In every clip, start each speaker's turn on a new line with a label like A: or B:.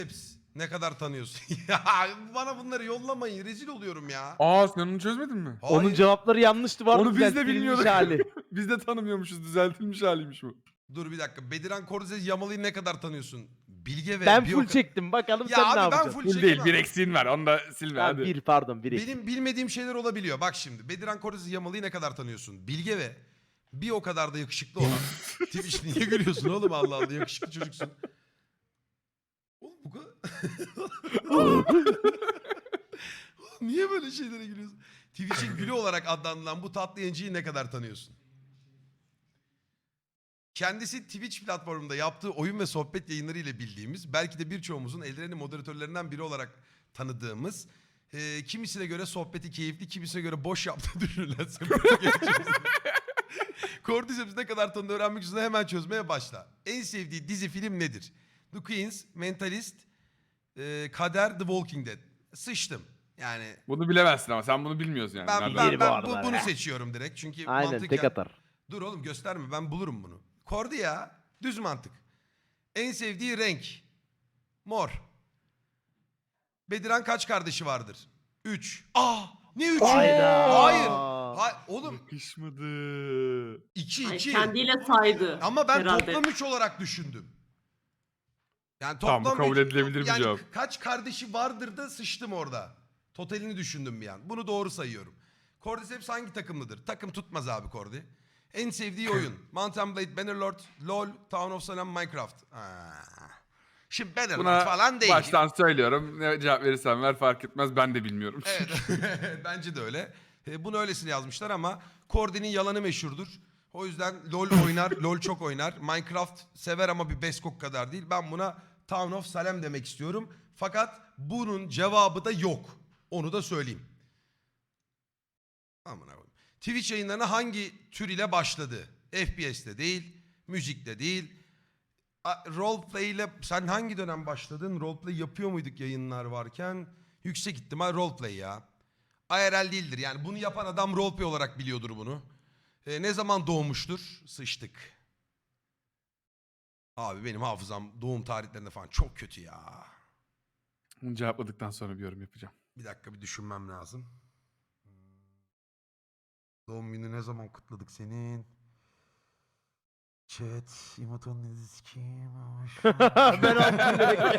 A: Ne kadar tanıyorsun? Ya bana bunları yollamayın. Rezil oluyorum ya.
B: Aa sen onu çözmedin mi?
A: Hayır.
C: Onun cevapları yanlıştı, vardı
B: Onu biz de
C: düzeltilmiş
B: bilmiyorduk.
C: hali.
B: Biz de tanımıyormuşuz. Düzeltilmiş haliymiş bu.
A: Dur bir dakika. Bediran Korzes Yamalı'yı ne kadar tanıyorsun? Bilge ve
C: Ben
A: bir
C: full
A: o
C: çektim. Bakalım
A: Ya
C: sen
A: abi
C: ne
A: ben
C: yapacaksın?
A: full
B: Full
A: çekemem.
B: değil. Bir eksiğin var. Onu da silme
C: Ha,
B: hadi.
C: bir pardon bir.
A: Benim bilmediğim şeyler olabiliyor. Bak şimdi. Bediran Korzes Yamalı'yı ne kadar tanıyorsun? Bilge ve bir o kadar da yakışıklı olan. Twitch niye gülüyorsun oğlum, Allah Allah, yakışıklı çocuksun. Oğlum bu kadar... Oğlum, niye böyle şeylere gülüyorsun? Twitch'in gülü olarak adlandırılan bu tatlı yayıncıyı ne kadar tanıyorsun? Kendisi Twitch platformunda yaptığı oyun ve sohbet yayınları ile bildiğimiz, belki de birçoğumuzun Eldiren'in moderatörlerinden biri olarak tanıdığımız, kimisine göre sohbeti keyifli, kimisine göre boş yaptığı düşünülen sempatik yayıncımız. Cordyceps ne kadar tanıdığını öğrenmek üzere hemen çözmeye başla. En sevdiği dizi film nedir? The Queens, Mentalist, Kader, The Walking Dead. Sıçtım. Yani
B: Bunu bilemezsin ama sen bunu bilmiyorsun yani.
A: ben,
B: Nereden-
A: ben,
C: Biri bu
A: ben
C: arada
A: bunu
C: ya.
A: seçiyorum direkt. Çünkü
C: Aynen
A: mantıken...
C: tek atar.
A: Dur oğlum gösterme, ben bulurum bunu. Kordi ya. Düz mantık. En sevdiği renk. Mor. Bediran kaç kardeşi vardır? 3. Ne 3'ü?
C: Hayda.
A: Hayır. Oğlum
B: Yakışmadı.
A: 2
D: Ay,
A: 2.
D: kendiyle saydı.
A: Ama ben
D: herhalde.
A: toplam 3 olarak düşündüm. Yani
B: Tamam, bu
A: toplam
B: kabul
A: üç-
B: edilebilir bir
A: yani
B: cevap.
A: kaç kardeşi vardır da sıçtım orada. Totalini düşündüm bir an. Bunu doğru sayıyorum. Cordyceps hangi takımlıdır? Takım tutmaz abi Cordy. En sevdiği oyun. Mount and Blade, Bannerlord, LoL, Town of Salem, Minecraft. Şimdi Bannerlord
B: Buna
A: falan değil.
B: baştan söylüyorum. Ne cevap verirsen ver fark etmez. Ben de bilmiyorum.
A: Evet. Bence de öyle. Bunu öylesine yazmışlar ama Cordy'nin yalanı meşhurdur. O yüzden LoL oynar, LoL çok oynar. Minecraft sever ama bir Beskok kadar değil. Ben buna Town of Salem demek istiyorum. Fakat bunun cevabı da yok. Onu da söyleyeyim. Aman abi. Twitch yayınlarına hangi tür ile başladı? FPS'te değil, müzikte değil. Roleplay ile sen hangi dönem başladın? Roleplay yapıyor muyduk yayınlar varken? Yüksek ihtimal roleplay ya. IRL değildir yani, bunu yapan adam roleplay olarak biliyordur bunu. Ne zaman doğmuştur? Sıçtık. Abi benim hafızam doğum tarihlerinde falan çok kötü ya.
B: Bunu cevapladıktan sonra bir yorum yapacağım.
A: Bir dakika, bir düşünmem lazım. Doğum günü ne zaman kutladık senin? Chat, İmoton dizisi kim?
C: Ben attım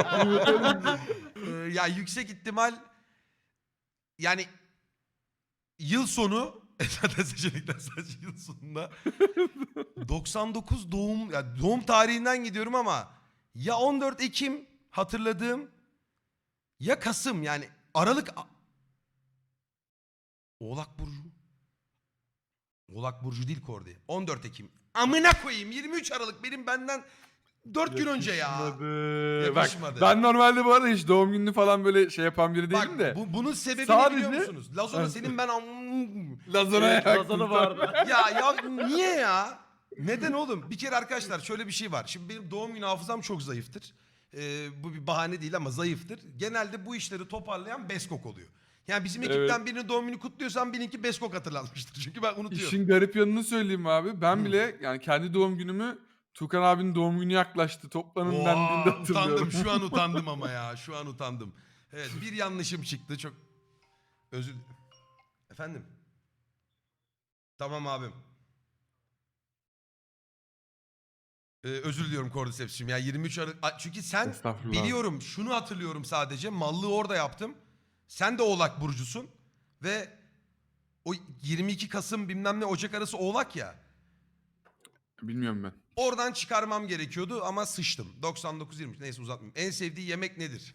A: Ya yüksek ihtimal yani yıl sonu zaten seçenekler sadece yıl sonunda 99 doğum, ya doğum tarihinden gidiyorum ama ya 14 Ekim hatırladığım ya Kasım, yani Aralık. Oğlak Burcu. Oğlak Burcu değil Kordi. 14 Ekim. Amına koyayım, 23 Aralık benim benden 4 gün önce ya.
B: Yakışmadı.
A: Yakışmadı.
B: Bak, ben normalde bu arada hiç doğum gününü falan böyle şey yapan biri değilim
A: Bak
B: de.
A: bunun sebebini
B: Sadece-
A: biliyor musunuz? Lazona senin ben
B: Lazana'ya
C: Lazanı vardı.
A: ya niye ya? Neden oğlum? Bir kere arkadaşlar şöyle bir şey var. Şimdi benim doğum günü hafızam çok zayıftır. Bu bir bahane değil ama zayıftır. Genelde bu işleri toparlayan Beskok oluyor. Yani bizim ekipten birinin doğum günü kutluyorsam benimki Beskok hatırlanmıştır. Çünkü ben unutuyorum.
B: İşin garip yanını söyleyeyim abi. Ben bile yani kendi doğum günümü Tukan abinin doğum günü yaklaştı. Toplanın dendiğinde hatırlıyorum.
A: Utandım, şu an utandım ama ya. Şu an utandım. Evet, bir yanlışım çıktı. Çok özür Efendim? Tamam abim. Özür diliyorum Cordyceps'cim ya, 23 Aralık. Çünkü sen
B: Estağfurullah.
A: biliyorum, şunu hatırlıyorum sadece. Mallığı orada yaptım. Sen de Oğlak Burcu'sun. Ve o 22 Kasım bilmem ne Ocak arası Oğlak ya.
B: Bilmiyorum ben.
A: Oradan çıkarmam gerekiyordu ama sıçtım. 99-23, neyse uzatmayayım. En sevdiği yemek nedir?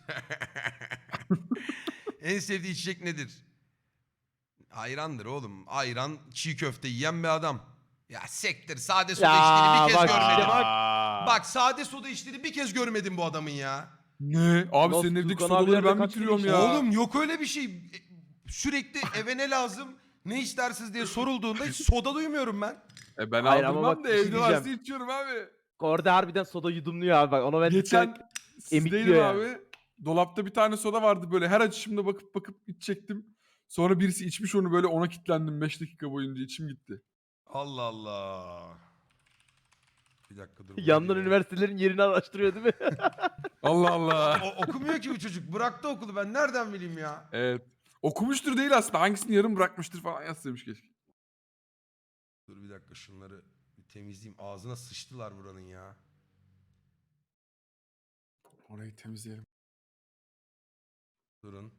A: En sevdiği içecek nedir? Ayrandır oğlum. Ayran, çiğ köfte yiyen bir adam. Ya sektir, sade soda içtiğini bir kez
C: bak
A: görmedim.
C: işte bak.
A: Bak sade soda içtiğini bir kez görmedim bu adamın ya.
B: Ne? Abi
C: Nasıl
B: senin evdeki
C: Tukan
B: sodaları
C: abilerle
B: ben
C: kaç
B: bitiriyorum
C: kere
B: ya.
A: Oğlum yok öyle bir şey. Sürekli eve ne lazım, ne istersiniz diye sorulduğunda hiç soda duymuyorum ben.
B: Ben
C: Hayır ama
B: aldırmam
C: bak
B: da
C: bir şey
B: evde varsa
C: diyeceğim.
B: içiyorum abi.
C: Orada harbiden soda yudumluyor abi bak. Ona ben
B: Geçen sizdeydim
C: emikliyor
B: abi.
C: yani.
B: Dolapta bir tane soda vardı böyle. Her açışımda bakıp içecektim. Sonra birisi içmiş onu, böyle ona kilitlendim 5 dakika boyunca, içim gitti.
A: Allah Allah. Bir dakika dur.
C: Yandan üniversitelerin yerini araştırıyor değil mi?
B: Allah Allah.
A: Okumuyor ki bu çocuk. Bıraktı okulu. Ben nereden bileyim ya?
B: Evet. Okumuştur değil aslında. Hangisini yarım bırakmıştır falan yazsaymış keşke.
A: Dur bir dakika şunları bir temizleyeyim. Ağzına sıçtılar buranın ya.
B: Orayı temizleyelim.
A: Durun.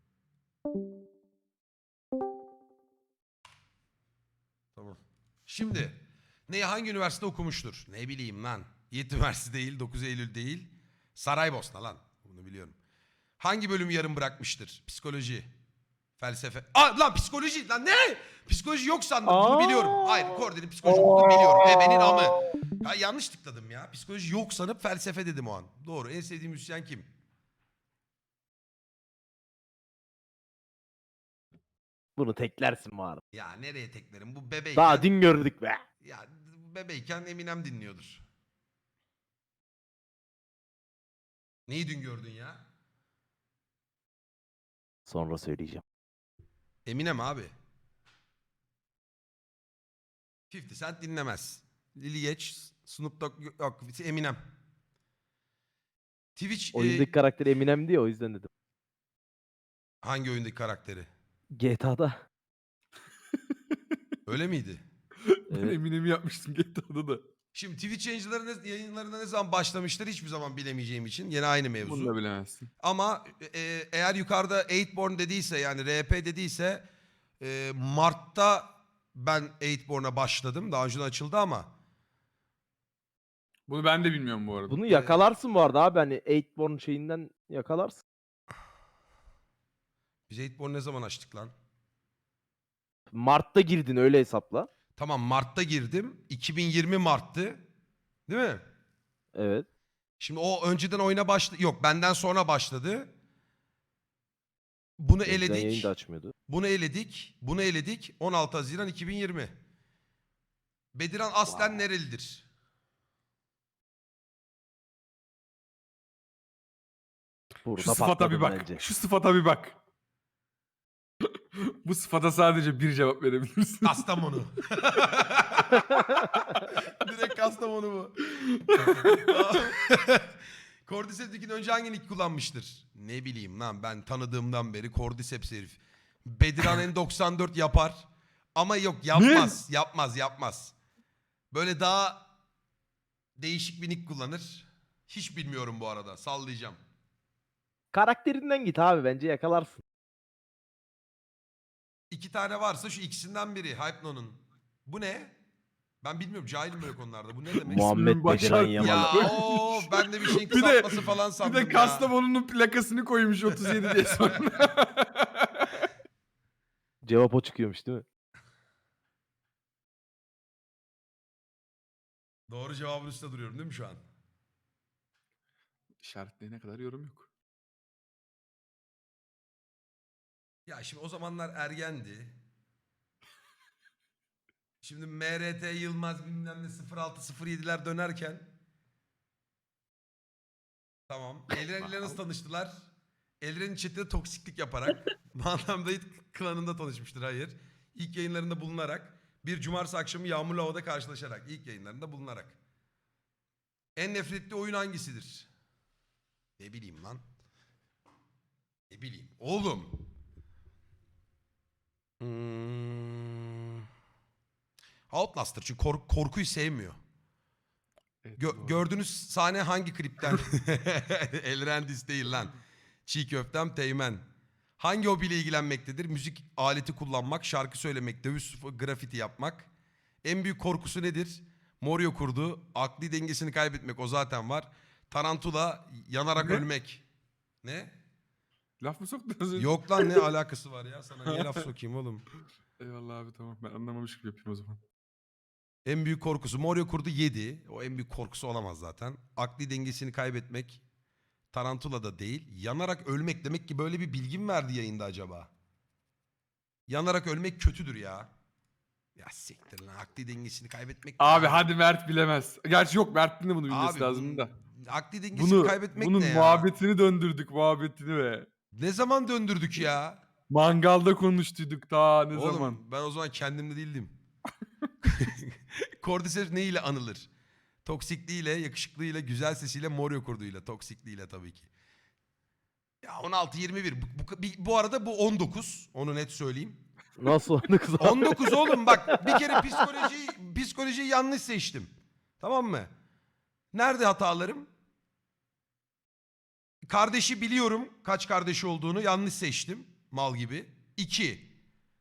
A: Tamam. Şimdi hangi üniversite okumuştur? Ne bileyim lan. Yiğit Üniversitesi değil, 9 Eylül değil. Saraybosna lan. Bunu biliyorum. Hangi bölümü yarım bırakmıştır? Psikoloji, felsefe. Lan psikoloji lan ne? Psikoloji yok sandım. Bunu biliyorum. Hayır, Kordi'nin psikoloji olduğunu biliyorum. Benim amı. Ya yanlış tıkladım ya. Psikoloji yok sanıp felsefe dedim o an. Doğru. En sevdiğim müzisyen kim?
C: Bunu teklersin bu arada.
A: Ya nereye teklerim? Bu bebeyken...
C: Daha dün gördük be.
A: Ya bebeyken Eminem dinliyordur. Neyi dün gördün ya?
C: Sonra söyleyeceğim.
A: Eminem abi. 50 Cent dinlemez. Lil geç, Snoop Dogg yok, Eminem. Twitch
C: Oyundaki karakteri Eminem diye o yüzden dedim.
A: hangi oyundaki karakteri?
C: GTA'da.
A: Öyle miydi?
B: Ben
C: Evet.
B: Eminem'i yapmıştım GTA'da da.
A: Şimdi Twitch yayınlarına ne zaman başlamıştır hiçbir zaman bilemeyeceğim için. Yine aynı
B: Bunu da
A: mevzu.
B: bilemezsin.
A: Ama eğer yukarıda 8born dediyse yani RP dediyse Mart'ta ben 8born'a başladım. Daha önce açıldı ama.
B: Bunu ben de bilmiyorum bu arada.
C: Bunu yakalarsın bu arada abi. Hani 8born şeyinden yakalarsın.
A: Biz 8born ne zaman açtık lan?
C: Mart'ta girdin öyle hesapla.
A: Tamam Mart'ta girdim. 2020 Mart'tı. Değil mi?
C: Evet.
A: Şimdi o önceden oyuna başladı. Yok benden sonra başladı. Bunu
C: Önceden yayın
A: eledik.
C: da açmıyordu.
A: Bunu eledik. Bunu eledik. 16 Haziran 2020. Bediran aslen nerelidir?
C: Burada
B: Şu sıfata bir
C: patladın
B: bak.
C: bence.
B: Şu sıfata bir bak. Bu sıfata sadece bir cevap verebilirsin.
A: Kastamonu. Direkt Kastamonu bu. Cordyceps'in önce hangi nick kullanmıştır? Ne bileyim lan ben tanıdığımdan beri Cordyceps herif. Bediran N94 yapar. Ama yok yapmaz. Yapmaz. Böyle daha değişik bir nick kullanır. Hiç bilmiyorum bu arada. Sallayacağım.
C: Karakterinden git abi bence yakalarsın.
A: 2 tane varsa şu ikisinden biri. Hypno'nun. Bu ne? Ben bilmiyorum. Cahilim böyle konularda. Bu ne demek?
C: Muhammed
B: baş
C: Bediran
B: harfi.
A: Ya
C: Yamalı.
A: ben de bir şeyin
B: Bir de-
A: kısaltması falan sandım
B: Bir
A: ya.
B: de Kastamonu'nun plakasını koymuş 37 diye sonra.
C: Cevap o çıkıyormuş değil mi?
A: Doğru cevabın üstünde duruyorum değil mi şu an?
B: İşaretleyene kadar yorum yok.
A: Ya şimdi o zamanlar ergendi. Şimdi MRT Yılmaz bilmem ne 0607'ler dönerken. Tamam. Elren ile nasıl tanıştılar? Elren'in chat'te toksiklik yaparak. Manam Dayıt klanında tanışmıştır. Hayır. İlk yayınlarında bulunarak. Bir cumartesi akşamı yağmurlu havada karşılaşarak. İlk yayınlarında bulunarak. En nefretli oyun hangisidir? Ne bileyim lan. Ne bileyim. Oğlum. Outlast'tır çünkü korkuyu sevmiyor.
B: Evet, doğru.
A: Gördüğünüz sahne hangi klipten? Elrendis değil lan. Çiğ köftem Teğmen. Hangi hobiyle ilgilenmektedir? Müzik aleti kullanmak, şarkı söylemek, dövüş, grafiti yapmak. En büyük korkusu nedir? Morio kurdu. Akli dengesini kaybetmek o zaten var. Tarantula, yanarak
B: Ne?
A: ölmek. Ne?
B: Laf mı soktun az önce?
A: Yok lan ne alakası var ya? Sana niye laf sokayım oğlum?
B: Eyvallah abi tamam ben anlamamış gibi yapayım o zaman.
A: En büyük korkusu Morio kurdu 7. O en büyük korkusu olamaz zaten. Akli dengesini kaybetmek. Tarantula da değil. Yanarak ölmek demek ki böyle bir bilgi mi verdi yayında acaba? Yanarak ölmek kötüdür ya. Ya siktir lan akli dengesini kaybetmek.
B: Abi
A: ne
B: hadi Mert bilemez. Gerçi yok Mert'in de bunu bilmesi
A: Abi
B: lazım da.
A: akli dengesini kaybetmek
B: Bunun
A: ne ya?
B: muhabbetini döndürdük muhabbetini be.
A: Ne zaman döndürdük ya?
B: Mangalda konuştuyduk daha ne
A: Oğlum
B: zaman.
A: ben o zaman kendimde değildim. Cordyceps ne ile anılır? Toksikliğiyle, yakışıklığıyla, güzel sesiyle, mor yokurduyla. Toksikliğiyle tabii ki. Ya 16-21. Bu arada bu 19. Onu net söyleyeyim.
C: Nasıl onu kız abi?
A: 19 oğlum bak bir kere psikolojiyi yanlış seçtim. Tamam mı? Nerede hatalarım? Kardeşi biliyorum kaç kardeşi olduğunu yanlış seçtim. Mal gibi. 2.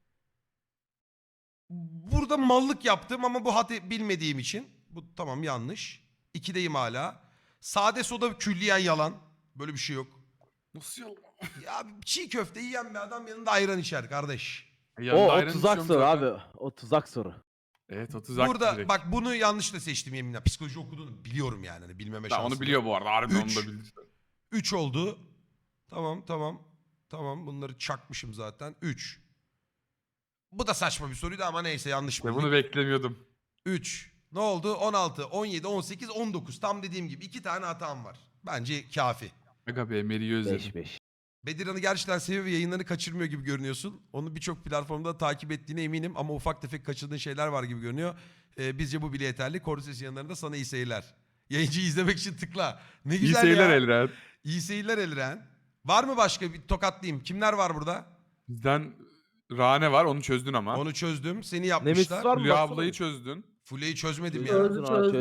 A: Burada mallık yaptım ama bu bilmediğim için. Bu tamam yanlış. 2'deyim hala. Sade soda külliyen yalan. Böyle bir şey yok.
B: Nasıl yalan?
A: Ya çiğ köfte yiyen bir adam yanında ayran içer kardeş.
B: Yanında
C: O
B: ayran
C: tuzak
B: içiyorum
C: soru
B: zaten.
C: abi. O tuzak soru.
B: Evet o tuzak
A: Burada
B: direkt.
A: bak bunu yanlış da seçtim yeminle. Psikoloji okuduğunu biliyorum yani. Hani bilmeme
B: Tamam,
A: şansım
B: onu biliyor bu arada. Harbiden
A: Üç.
B: onu da bilir.
A: 3 oldu. Tamam bunları çakmışım zaten. 3. Bu da saçma bir soruydu ama neyse yanlış
B: Ve
A: bildik.
B: bunu beklemiyordum.
A: 3. Ne oldu? 16, 17, 18, 19. Tam dediğim gibi 2 tane hatam var. Bence kafi.
B: Aga be Meri'yi özledim.
C: 5-5.
A: Bedirhan'ı gerçekten seviyor ve yayınlarını kaçırmıyor gibi görünüyorsun. Onu birçok platformda takip ettiğine eminim ama ufak tefek kaçırdığın şeyler var gibi görünüyor. Bizce bu bile yeterli. Korses yanlarında sana iyi seyirler. Yayıncıyı izlemek için tıkla. Ne
B: İyi
A: güzel
B: seyirler
A: ya.
B: Elren.
A: İyi seyirler Elren. Var mı başka bir tokatlayayım? Kimler var burada?
B: Bizden Rane var, onu çözdün ama.
A: Onu çözdüm. Seni
C: Nemesis
A: yapmışlar.
C: var mı?
B: Hülya
C: Baksana
B: ablayı
C: bir.
B: çözdün.
A: Fule'yi çözmedim ya.
C: Çözdün abi,